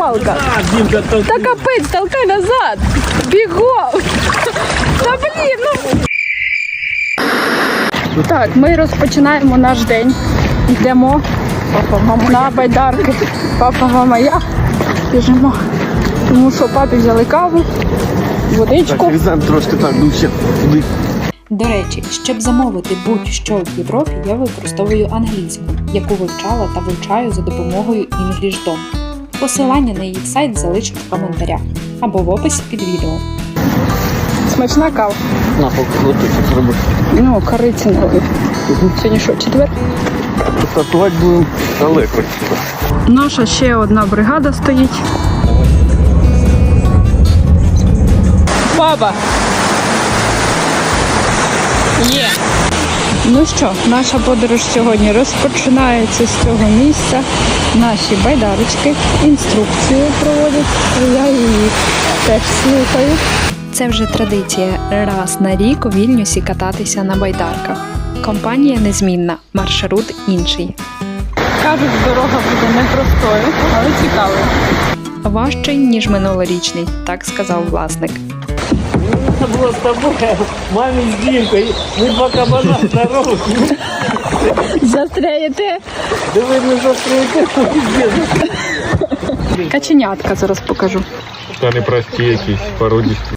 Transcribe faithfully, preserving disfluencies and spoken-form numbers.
палка. Та капець, толкай назад. Бігом. Та блін, ну. Так, ми розпочинаємо наш день. Йдемо на байдарки. Папа, мама, я біжимо. Тому що папі взяли каву, водичку. Так, візьмемо трошки так, дужче туди. До речі, щоб замовити будь-що в Європі, я використовую англійську, яку вивчала та вивчаю за допомогою EnglishDom. Посилання на їх сайт залишу в коментарях або в описі під відео. Смачна кава. На, полоточок зробити. Ну, корицинковий. Сьогодні що, четвер? Стартувати будемо далеко. Наша ще одна бригада стоїть. Баба! Є! Ну що, наша подорож сьогодні розпочинається з цього місця. Наші байдарочки інструкцію проводять, я її теж слухаю. Це вже традиція раз на рік у Вільнюсі кататися на байдарках. Компанія незмінна, маршрут інший. Кажуть, дорога буде непростою, але цікавою. Важчий, ніж минулорічний, так сказав власник. Це було з тобою, мамі з Дімкою. Ми два кабана здорових. Застряєте? Диви, не застряєте. Каченятка зараз покажу. Та не прості якісь породісті.